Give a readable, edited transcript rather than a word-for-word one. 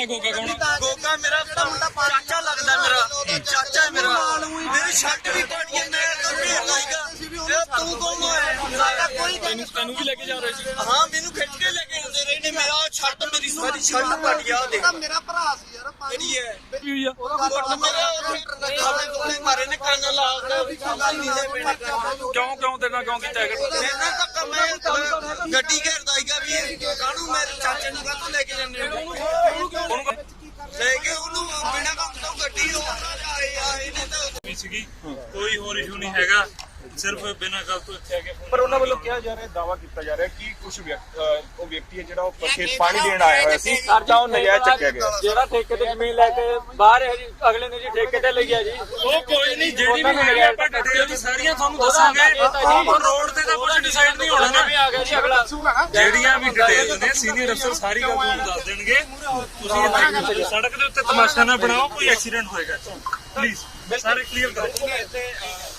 ਪਤਾ ਗੋਗਾ ਕੌਣ ਆ? ਗੋਗਾ ਮੇਰਾ ਚਾਚਾ ਲੱਗਦਾ, ਮੇਰਾ ਚਾਚਾ ਹੈ ਮੇਰਾ। ਮੇਰੀ ਛੱਟ ਵੀ ਪਾੜੀ ਹੈ, ਮੈਂ ਤਾਂ ਢੇਰ ਲਾਈਗਾ। ਤੂੰ ਕੌਣ ਹੈ? ਕੋਈ ਤੈਨੂੰ ਵੀ ਲੈ ਕੇ ਜਾ ਰਹੇ ਸੀ? ਹਾਂ, ਮੈਨੂੰ ਖਿੱਚ ਕੇ ਲੈ ਕੇ ਆਉਂਦੇ ਰਹੇ ਨੇ। ਮੇਰਾ ਛੱਟ, ਮੇਰੀ ਸਾਰੀ ਛੱਟ ਪਾੜੀ ਆ। ਦੇਖ ਮੇਰਾ ਭਰਾ ਸੀ ਯਾਰ, ਕਿਹੜੀ ਹੈ? ਕੀ ਹੋਈ ਆ? ਗੁੱਟ ਮੇਰੇ ਖਾਣੇ ਗੋਲੇ ਮਾਰੇ ਨੇ, ਕੰਨ ਲਾ ਕੇ ਗੱਲ ਨਹੀਂ ਲੈ ਪੈਣੇ ਕਰਨਾ। ਕਿਉਂ ਤੇਰੇ ਨਾਲ ਕਿਉਂ ਕੀਤਾ ਹੈਗਾ? ਇਹਨਾਂ ਧੱਕਾ ਮੈਂ ਗੱਡੀ ਘੇਰਦਾ ਹੀਗਾ ਵੀ ਕਾਹਨੂੰ ਮੇਰੇ ਚਾਚੇ ਨੂੰ ਕਾਹਤੋਂ ਲੈ ਕੇ ਜਾਂਦੇ ਹੋ? ਉਹਨੂੰ ਲੈ ਕੇ ਉਹਨੂੰ ਬਿਨਾਂ ਕੰਮ ਤੋਂ ਗੱਡੀ ਆਏ ਨੇ ਤਾਂ ਸੀਗੀ, ਕੋਈ ਹੋਰ ਇਸ਼ੂ ਨਹੀਂ ਹੈਗਾ, ਸਿਰਫ ਬਿਨਾਂ ਗੱਲ ਤੋਂ ਇੱਥੇ ਆ ਕੇ ਪਰ ਉਹਨਾਂ ਵੱਲੋਂ ਕਿਹਾ ਜਾ ਰਿਹਾ, ਦਾਵਾ ਕੀਤਾ ਜਾ ਰਿਹਾ ਕਿ ਕੁਝ ਉਹ ਵਿਅਕਤੀ ਹੈ ਜਿਹੜਾ ਉਹ ਖੇਤ ਪਾਣੀ ਦੇਣ ਆਇਆ ਹੋਇਆ ਸੀ ਤਾਂ ਉਹ ਨਜਾਇਜ਼ ਚੱਕਿਆ ਗਿਆ। ਜਿਹੜਾ ਠੇਕੇ ਤੇ ਜ਼ਮੀਨ ਲੈ ਕੇ ਬਾਹਰ ਹੈ ਜੀ, ਅਗਲੇ ਨੇ ਜੀ ਠੇਕੇ ਤੇ ਲਈ ਹੈ ਜੀ। ਉਹ ਕੋਈ ਨਹੀਂ, ਜਿਹੜੀ ਵੀ ਹੈਗੀ ਆਪਾਂ ਡਿਟੇਲ ਸਾਰੀਆਂ ਤੁਹਾਨੂੰ ਦੱਸਾਂਗੇ। ਰੋਡ ਤੇ ਤਾਂ ਕੁਝ ਡਿਸਾਈਡ ਨਹੀਂ ਹੋਣਾ ਨਾ। ਵੀ ਆ ਗਿਆ ਜੀ ਅਗਲਾ। ਜਿਹੜੀਆਂ ਵੀ ਡਿਟੇਲ ਨੇ ਸੀਨੀਅਰ ਅਫਸਰ ਸਾਰੀ ਗੱਲ ਤੁਹਾਨੂੰ ਦੱਸ ਦੇਣਗੇ। ਤੁਸੀਂ ਇੱਥੇ ਸੜਕ ਦੇ ਉੱਤੇ ਤਮਾਸ਼ਾ ਨਾ ਬਣਾਓ, ਕੋਈ ਐਕਸੀਡੈਂਟ ਹੋਏਗਾ। ਪਲੀਜ਼ ਸਾਰੇ ਕਲੀਅਰ ਕਰੋ।